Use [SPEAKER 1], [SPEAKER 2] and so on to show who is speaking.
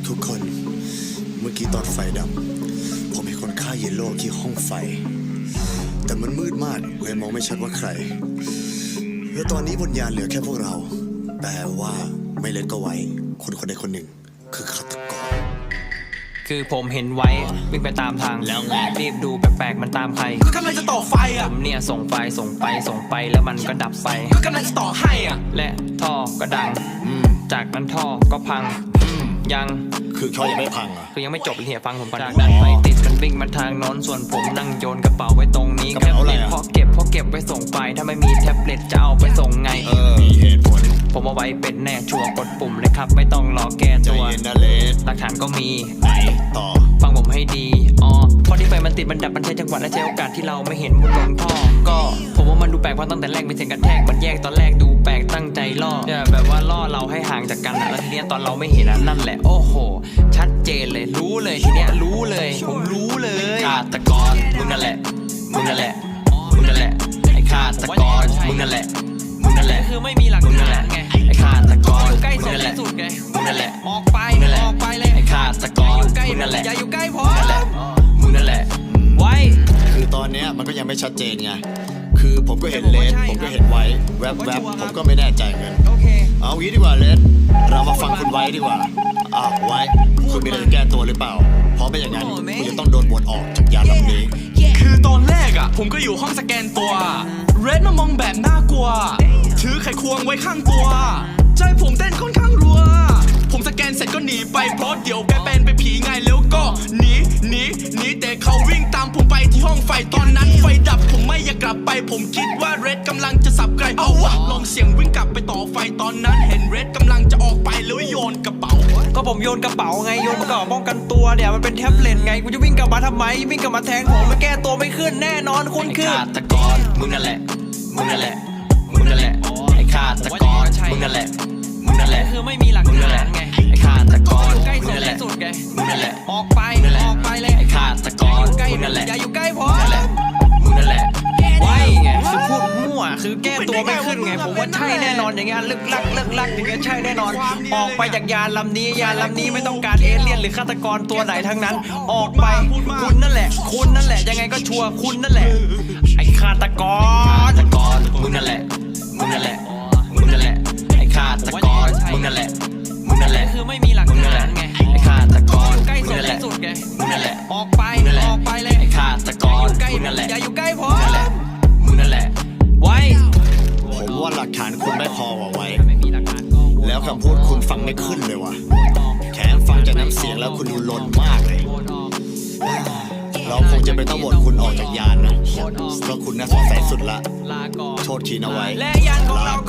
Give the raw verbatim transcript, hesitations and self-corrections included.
[SPEAKER 1] ทุกคนเมื่อกี้ตอนไฟดับผมเห็นคนฆ่าเยลโล่ที่ห้องไฟแต่มันมืดมากเลยมองไม่ชัดว่าใครแล้วตอนนี้บนยานเหลือแค่พวกเราแปลว่าไม่เล่นก็ไว้คนคนใดคนหนึ่งคือฆาตกร
[SPEAKER 2] คือผมเห็นไว้วิ่งไปตามทางแล้วไงรีบดูแปลกๆมันตามใคร
[SPEAKER 3] ก็กำลังจะต่อไฟอ่ะ
[SPEAKER 2] ผมเนี่ยส่งไฟส่งไปส่งไปแล้วมันก็ดับไฟ
[SPEAKER 3] ก็กำลังจะต่อให้อ่ะ
[SPEAKER 2] และท่อก็ดังจากนั้นท่อก็พังยัง
[SPEAKER 1] คือท่อยังไม่พังอ่ะ
[SPEAKER 2] คือยังไม่จบเลยเนี่ยฟังผมก่อนจากนั้นไฟติดมันวิ่งมาทางโน้นส่วนผมนั่งโยนกระเป๋าไว้ตรงนี้แท็บเล็ตพอเก็บพอเก็บไว้ส่งไปถ้าไม่มีแท็บเล็ตจะเอาไปส่งไง
[SPEAKER 1] เออมีเหตุผล
[SPEAKER 2] ผมเอาไว้เป็นแน่ชัวร์กดปุ่มเลยครับไม่ต้องรอแก้ตัว
[SPEAKER 1] ใจเย็นนะเลส
[SPEAKER 2] หลักฐานก็มี
[SPEAKER 1] ไหนต่อ
[SPEAKER 2] ฟังผมให้ดีอ๋อพอที่ไฟมันติดมันดับมันใช้จังหวะและใช้โอกาสที่เราไม่เห็นมุดลงท่อก็ผมว่ามันดูแปลกเพราะตั้งแต่แรกเป็นเสียงกระแทกมันแยกตอนแรกดูแปลกตั้งใจล่อแบบว่าล่อเราให้ห่างจากกันแล้วทีเนี้ยตอนเราไม่เห็นนั่นแหละโอ้โหชัดเจนเลยรู้เลยทีเนี้ยรู้เลยผมรู้เลยฆาตกรมึงนั่นแหละมึงนั่นแหละมึงนั่นแหละไอ้ฆาตกรมึงนั่นแหละมึงนั่นแหละคือไม่มีหลักฐานไงไอ้ฆาตกรใกล้สุดสุดไงมึงนั่นแหละออกไปออกไปเลยไอ้ฆาตกรมึงนั่นแหละอย่าอยู่ใกล้ผมนั่นแหละมึงนั่นแหละไว้
[SPEAKER 1] คือตอนเนี้ยมันก็ยังไม่ชัดเจนไงคือผมก็เห็นเลสผมก็เห็นไว้แวบๆผมก็ไม่แน่ใจเงินเอางี้ดีกว่าเลสเรามาฟังคุณไว้ดีกว่าอ้าวไว้คุณมีอะไรจะแก้ตัวหรือเปล่าเพราะไม่อย่างนั้นคุณจะต้องโดนบนออกจากยานลำนี้
[SPEAKER 3] คือตอนแรกอ่ะผมก็อยู่ห้องสแกนตัวเรดมามองแบบน่ากลัวถือไขควงไว้ข้างตัวใจผมเต้นค่อนข้างรัวผมสแกนเสร็จก็หนีไปเพราะเดี๋ยวแกเป็นไปผีไงแล้วก็หนีหนีหนีแต่เขาวิ่งตามผมไปที่ห้องไฟตอนนั้นไฟดับผมไม่อยากกลับไปผมคิดว่าเรดกำลังจะสับไกลเอาวะลองเสียงวิ่งกลับไปต่อไฟตอนนั้นเห็นเรดกำลังจะออกไปแล้วโยนกระเป๋า
[SPEAKER 2] ก็ผมโยนกระเป๋าไงโยนกระเป๋าป้องกันตัวเนี่ยมันเป็นแท็บเล็ตไงกูจะวิ่งกลับมาทำไมวิ่งกลับมาแทงผมมาแก้ตัวไม่ขึ้นแน่นอนคุณคือฆาตกรมึงนั่นแหละมึงนั่นแหละมึงนั่นแหละไอ้ฆาตกรมึงนั่นแหละมึงนั่นแหละคือไม่มีหลักฐานไงไอ้ฆาตกรใกล้สุดไงมึงนั่นแหละออกไปออกไปเลยไอ้ฆาตกรมึงนั่นแหละอย่าอยู่ใกล้ผมนั่นแหละมึงนั่นแหละไว้ไงคือพูดมั่วคือแก้ตัวไม่ขึ้นไงผมว่าใช่แน่นอนอย่างเงี้ยลึกลักลึกลักอย่างเงี้ยใช่แน่นอนออกไปจากยานลำนี้ยานลำนี้ไม่ต้องการเอเลี่ยนหรือฆาตกรตัวไหนทั้งนั้นออกไปคุณนั่นแหละคุณนั่นแหละยังไงก็ชัวร์คุณนั่นแหละไอ้ฆาตกรฆาตกรมึงนั่นแหละมึงนั่นแหละมึงนั่นแหละไอ้ฆาตกรมึงนั่นแหละมึงนั่นแหละคือไม่มีหลักฐานไงไอ้ฆาตกรใกล้สุดไงมึงนั่นแหละออกไปออกไปเลยไอ้ฆาตกรมึงนั่นแหละอย่าอยู่ใกล้ผมนั่นแหละมึงนั่นแหละไว้
[SPEAKER 1] ผมว่าหลักฐานคุณไม่พอว่ะไว้แล้วคำพูดคุณฟังไม่ขึ้นเลยว่ะแถมฟังจากน้ำเสียงแล้วคุณดูลนมากเลยเราคงจะไม่ต้องโหวตคุณออกจากยานนะเพราะคุณน่าสงสัยสุดละโทษทีนะไว้
[SPEAKER 2] และยานของเรา